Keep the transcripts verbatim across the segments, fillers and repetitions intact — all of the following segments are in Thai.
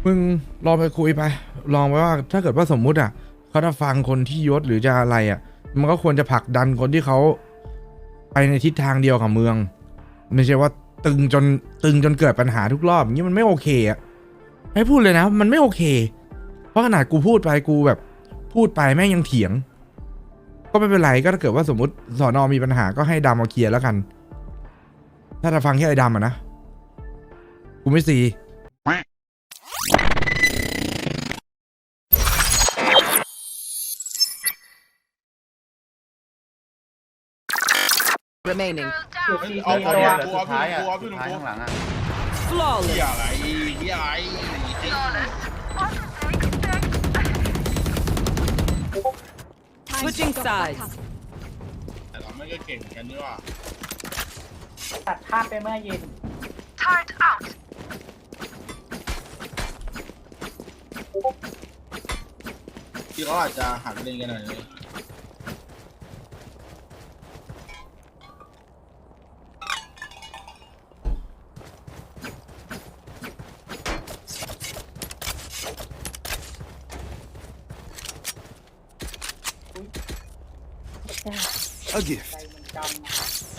มึงลองไปคุยไปลองไปว่าถ้าเกิดว่าสมมุติอ่ะเขาจะฟังคนที่ยศหรือจะอะไรอ่ะมันก็ควรจะผลักดันคนที่เขาไปในทิศทางเดียวกับเมืองไม่ใช่ว่าตึงจนตึงจนเกิดปัญหาทุกรอบอย่างนี้มันไม่โอเคอ่ะให้พูดเลยนะมันไม่โอเคเพราะขนาดกูพูดไปกูแบบพูดไปแม่งยังเถียงก็ไม่เป็นไรก็ถ้าเกิดว่าสมมติสอนอมีปัญหาก็ให้ดำมาเคลียร์แล้วกันถ้าจะฟังแค่ไอ้ดำอ่ะนะกูไม่ซี remaining เอาตัวตัวเดียวตัวสุดท้ายอ่ะตัวสุพี่ดหนุ่มท้ายตัวข้างหลังอ่ะเฮี flawless ยอะไรเฮียอะไร switching sides แต่เราไม่ก็เก่งกันนี่ว่าตัดภาพไปเมื่อเย็นที่เขาอาจจะหันเล่นกันหน่อยเลย A gift. ใจมันจำ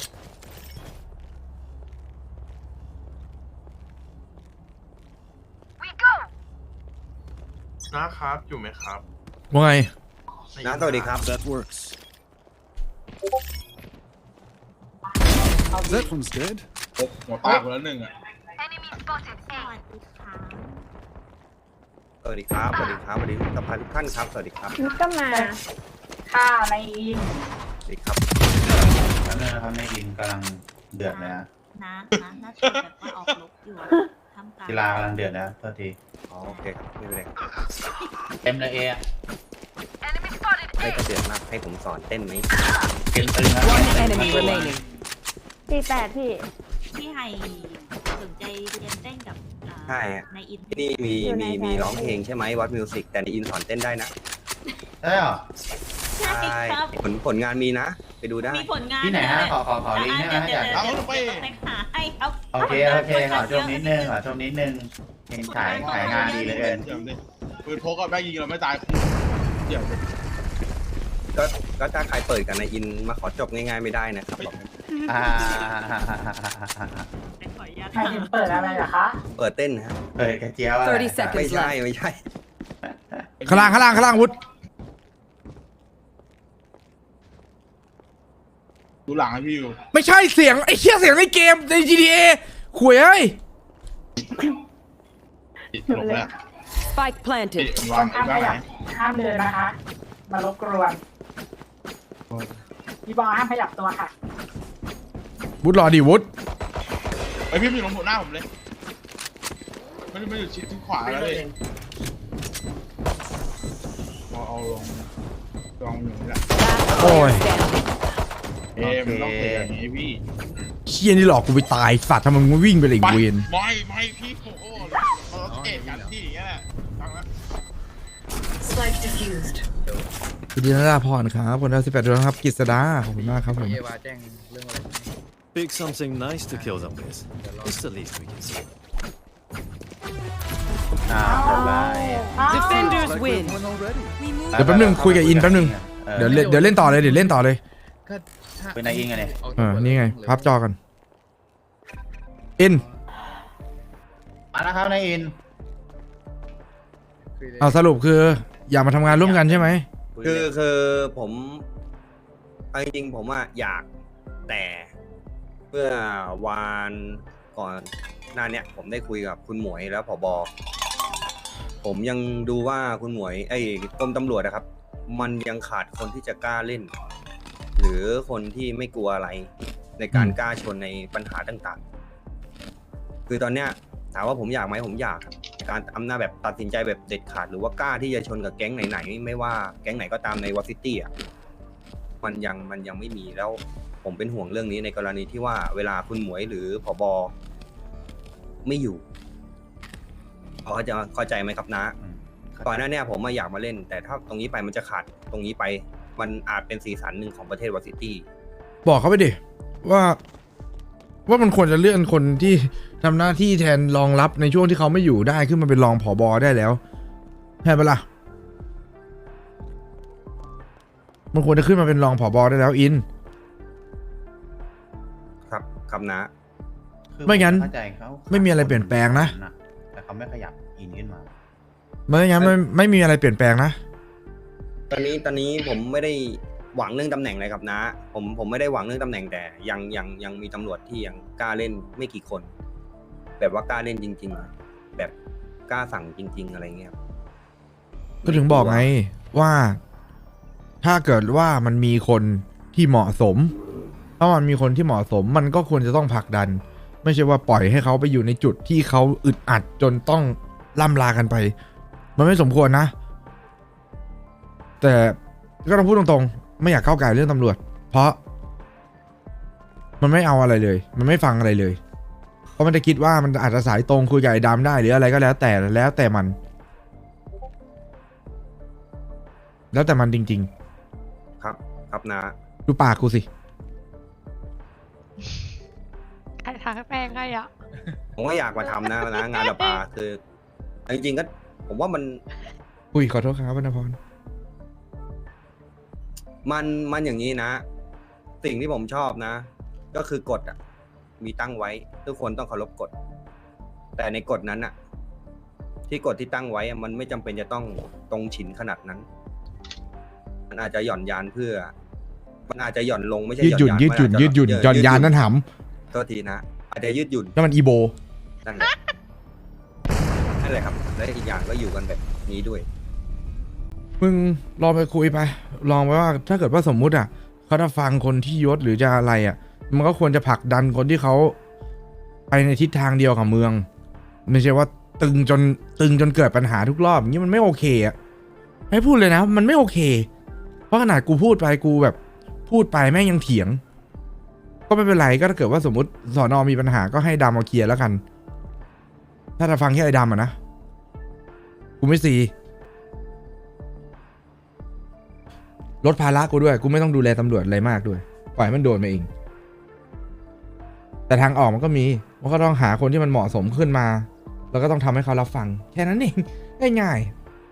นะครับอยู่ไหมครับว่าไงนะสวัสดีครับ That works. That one's dead. หัวตาคนละหนึ่งอ่ะสวัสดีครับ สวัสดีครับ สวัสดีสภาทุกท่านครับ สวัสดีครับนุชก็มาฆ่าในอินสวัสดีครับแล้วเนี่ยนะครับในอินกำลังเดือดเลยนะนะนะน่าจะแบบว่าออกลบอยู่ทำการกีฬากำลังเดือดนะโทษทีอ๋อ โอเคครับ ไม่เป็นไรครับเต็มเลยเอะให้กระเดือกมากให้ผมสอนเต้นไหมเต็มตึงนะ one enemy remaining สี่แปดพี่พี่ไฮสนใจเรียนเต้นกับอ่าใช่ฮะในอินที่นี่มีอยู่ในมีสายมีร้องเพลงใช่ไหมวัดมิวสิกแต่ในอินสอนเต้นได้นะใช่เหรอใช่ครับผลผลงานมีนะ ไปดูได้มีผลงานที่ไหนฮะขอขอขอลิงก์ให้นะเดี๋ยวอยากเดี๋ยวเดี๋ยวเดี๋ยวไปหาให้ครับโอเคโอเคขอช่วงนิดนึงขอช่วงนิดนึงเห็นขายขายงานดีเหลือเกินเดี๋ยวดิปืนพกก็แม่งยิงเราไม่ตายเดี๋ยวดิก็ก็ถ้าใครเปิดกันในอินมาขอจบง่ายๆไม่ได้นะครับบอกอ่าไปขออนุญาตใครถึงเปิดอะไรเหรอคะเปิดเต้นฮะเฮ้ยกระเจียวอะ thirty seconds ไม่ใช่ left ไม่ใช่ข้างล่างข้างล่างข้างล่างวุฒดูหลังให้พี่อยู่ไม่ใช่เสียงไอ้เชี่ยเสียงในเกมใน จี ที เอ ขวยเอ้ยติดหลบแล้ว spike ติ planted ดควางนไอ้ห้ามขบ้ายับห้ามเดินนะคะ มารบกวนพี่บอลห้ามขยับตัวค่ะวุฒรอดิวุฒไอพี่อยู่ตรงหัวหน้าผมเลยไม่ได้ไม่อยู่ชิดที่ขวาแล้วเลยเอาเอาลงลองอยู่นี่แหละโอ้ยเอ๊ะมันต้องเป็นอย่างนี้พี่เชี่ยนี่หลอกกูไปตายสัตว์ทำไมมึงวิ่งไปเลยอีกเวนไม่ไม่พี่โอ้โหเราต้องเอ็ดกันที่อย่างเงี้ยแหละฟังแล้วสวัสดีนะดาพรครับคนละสิบแปดดวงครับกฤษดาขอบคุณมากครับผม Pick something nice to kill them with. It's the least we can say. อ่าเรียบร้อย defenders Like win we've won already. เดี๋ยวแป๊บนึงคุยกับอินแป๊บนึงเออเดี๋ยวเล่นเดี๋ยวเล่นต่อเลยเดี๋ยวเล่นต่อเลยเป็นนายอินไงเนี่ยเออนี่ไงพับจอกันอินมาแล้วครับนายอินเอาสรุปคืออยากมาทำงานร่วมกันใช่ไหมคือคือผมเอาจริงๆผมอะอยากแต่เมื่อวานก่อนหน้าเนี้ยผมได้คุยกับคุณหมวยแล้วผบผมยังดูว่าคุณหมวยไอ้กรมตำรวจนะครับ มันยังขาดคนที่จะกล้าเล่น หรือคนที่ไม่กลัวอะไรในการกล้าชนในปัญหาต่างๆ คือตอนเนี้ยถามว่าผมอยากไหมผมอยากครับการอำนาจแบบตัดสินใจแบบเด็ดขาดหรือว่ากล้าที่จะชนกับแก๊งไหนๆไม่ว่าแก๊งไหนก็ตามในวอซิตี้อ่ะมันยังมันยังไม่มีแล้วผมเป็นห่วงเรื่องนี้ในกรณีที่ว่าเวลาคุณหมวยหรือผบไม่อยู่เขาจะเข้าใจไหมครับนะก่อนหน้านี้ผมมาอยากมาเล่น แต่ถ้าตรงนี้ไปมันจะขาดตรงนี้ไปมันอาจเป็นสีสันหนึ่งของประเทศวอซิตี้บอกเขาไปดิว่าว่ามันควรจะเลื่อนคนที่ทำหน้าที่แทนรองรับในช่วงที่เขาไม่อยู่ได้ขึ้นมาเป็นรองผบได้แล้วใช่ปะล่ะมันควรจะขึ้นมาเป็นรองผบได้แล้วอินครับครับนะไม่งั้นเข้าใจเขาไม่มีอะไรเปลี่ยนแปลงนะแต่เขาไม่ขยับอินขึ้นมาไม่งั้นไม่ไม่มีอะไรเปลี่ยนแปลงนะตอนนี้ตอนนี้ผมไม่ได้หวังเรื่องตำแหน่งเลยครับนะ ผมผมไม่ได้หวังเรื่องตำแหน่งแต่ยังยังยังมีตำรวจที่ยังกล้าเล่นไม่กี่คน แบบว่ากล้าเล่นจริง ๆ แบบกล้าสั่งจริง ๆ อะไรเงี้ยครับก็ถึงบอกไงว่า ถ้าเกิดว่ามันมีคนที่เหมาะสม ถ้ามันมีคนที่เหมาะสม มันก็ควรจะต้องผลักดัน ไม่ใช่ว่าปล่อยให้เขาไปอยู่ในจุดที่เขาอึดอัดจนต้องล่ำลากันไป มันไม่สมควรนะ แต่ก็ต้องพูดตรงๆไม่อยากก้าวไก่เรื่องตำรวจ เพราะ มันไม่เอาอะไรเลย มันไม่ฟังอะไรเลย เพราะมันจะคิดว่ามันอาจจะสายตรงคุยกับไอ้ดำได้หรืออะไรก็แล้วแต่แล้วแต่มัน แล้วแต่มันจริงครับ ครับนะๆ ดูปากกูสิใครทางแป้งให้อ่ะผมก็อยากมาทำนะนะงานประปาคือจริงๆก็ผมว่ามันอุ้ยขอโทษครับวรรณพรมันมันอย่างนี้นะ สิ่งที่ผมชอบนะ ก็คือกฎอ่ะ มีตั้งไว้ทุกคนต้องเคารพกฎ แต่ในกฎนั้นอ่ะ ที่กฎที่ตั้งไว้อะมันไม่จำเป็นจะต้องตรงฉินขนาดนั้น มันอาจจะหย่อนยานเพื่อ มันอาจจะหย่อนลงไม่ใช่ยืดหยุ่นายืดหยุ่นมัยืดหยุ่นหย่อนยานนั่นหโทษทีนะ อาจจะยืดหยุ่นำนั่นมันอีโบนั่นแหละนั่นแหละครับ และอีกอย่างก็อยู่กันแบบนี้ด้วยมึงลองไปคุยไป ลองไปว่าถ้าเกิดว่าสมมุติอ่ะเขาจะฟังคนที่ยศหรือจะอะไรอ่ะ มันก็ควรจะผลักดันคนที่เขาไปในทิศทางเดียวกับเมือง ไม่ใช่ว่าตึงจนตึงจนเกิดปัญหาทุกรอบอย่างนี้มันไม่โอเคอ่ะให้พูดเลยนะมันไม่โอเค เพราะขนาดกูพูดไปกูแบบพูดไปแม่งยังเถียง ก็ไม่เป็นไรก็ถ้าเกิดว่าสมมติสอนอมีปัญหาก็ให้ดำมาเคลียร์แล้วกัน ถ้าจะฟังแค่ไอ้ดำอ่ะนะกูไม่ซีลดภาระกูด้วยกูไม่ต้องดูแลตำรวจอะไรมากด้วยปล่อยให้มันโดนมาเองแต่ทางออกมันก็มีมันก็ต้องหาคนที่มันเหมาะสมขึ้นมาแล้วก็ต้องทำให้เขารับฟังแค่นั้นเองง่าย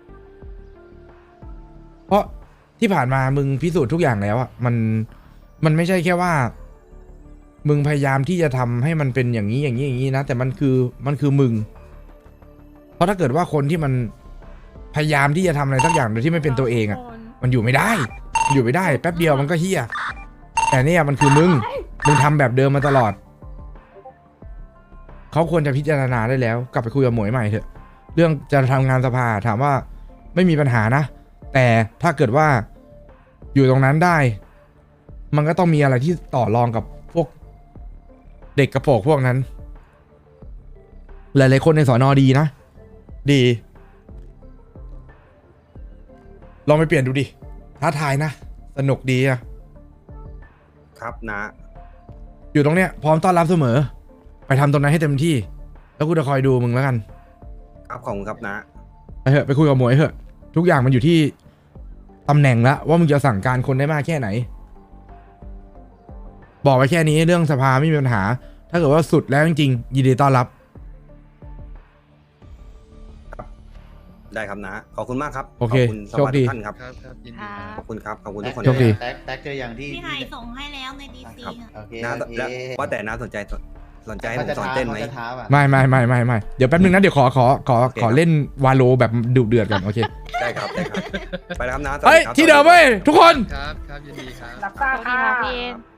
ๆเพราะที่ผ่านมามึงพิสูจน์ทุกอย่างแล้วอ่ะมันมันไม่ใช่แค่ว่ามึงพยายามที่จะทำให้มันเป็นอย่างนี้อย่างนี้อย่างนี้นะแต่มันคือมันคือมึงเพราะถ้าเกิดว่าคนที่มันพยายามที่จะทำอะไรสักอย่างโดยที่ไม่เป็นตัวเองอ่ะมันอยู่ไม่ได้มันอยู่ไม่ได้แป๊บเดียวมันก็เฮี้ยแต่เนี่ยมันคือมึงมึงทำแบบเดิมมาตลอดเขาควรจะพิจารณาได้แล้วกลับไปคุยกับหมวยใหม่เถอะเรื่องจะทำงานสภาถามว่าไม่มีปัญหานะแต่ถ้าเกิดว่าอยู่ตรงนั้นได้ มันก็ต้องมีอะไรที่ต่อรองกับพวกเด็กกระโปรงพวกนั้นหลายๆคนในสอนอดีนะดีลองไปเปลี่ยนดูดิท้าทายนะสนุกดีอะครับนะอยู่ตรงเนี้ยพร้อมต้อนรับเสมอไปทำตรงนั้นให้เต็มที่แล้วกูจะคอยดูมึงแล้วกันครับขอบคุณครับนะไปเถอะไปคุยกับหมวยเถอะทุกอย่างมันอยู่ที่ตำแหน่งละว่ามึงจะสั่งการคนได้มากแค่ไหนบอกไปแค่นี้เรื่องสภาไม่มีปัญหาถ้าเกิดว่าสุดแล้วจริงๆยินดีต้อนรับได้ครับนะ ขอบคุณมากครับโอเคขอบคุณสวัสโชคดีดีท่านครับครับครับยินดีค่ะขอบคุณครับ ขอบคุณทุกคนโชคดีแท็กแท็กเจออย่างที่พี่ไฮส่งให้แล้วในดีซีครับอะโอเคนะโอเคแล้วว่าแต่น้าสนใจสนใจให้ผมสอนเต้นไหมขาจะท้าอะไม่ไม่ไม่ไม่ไม่เดี๋ยวแป๊บนึงนะเดี๋ยวขอขอขอโอเคขอเล่นวาโลแบบดุเดือดก่อนโอเคได้ครับได้ครับ ไปแล้วครับนะสวัสเฮ้ยครับที่เดิมเว้ยทุกคนครับครับยินดีครับรับทราบสวัสดีค่ะค่ะพี่เอ็น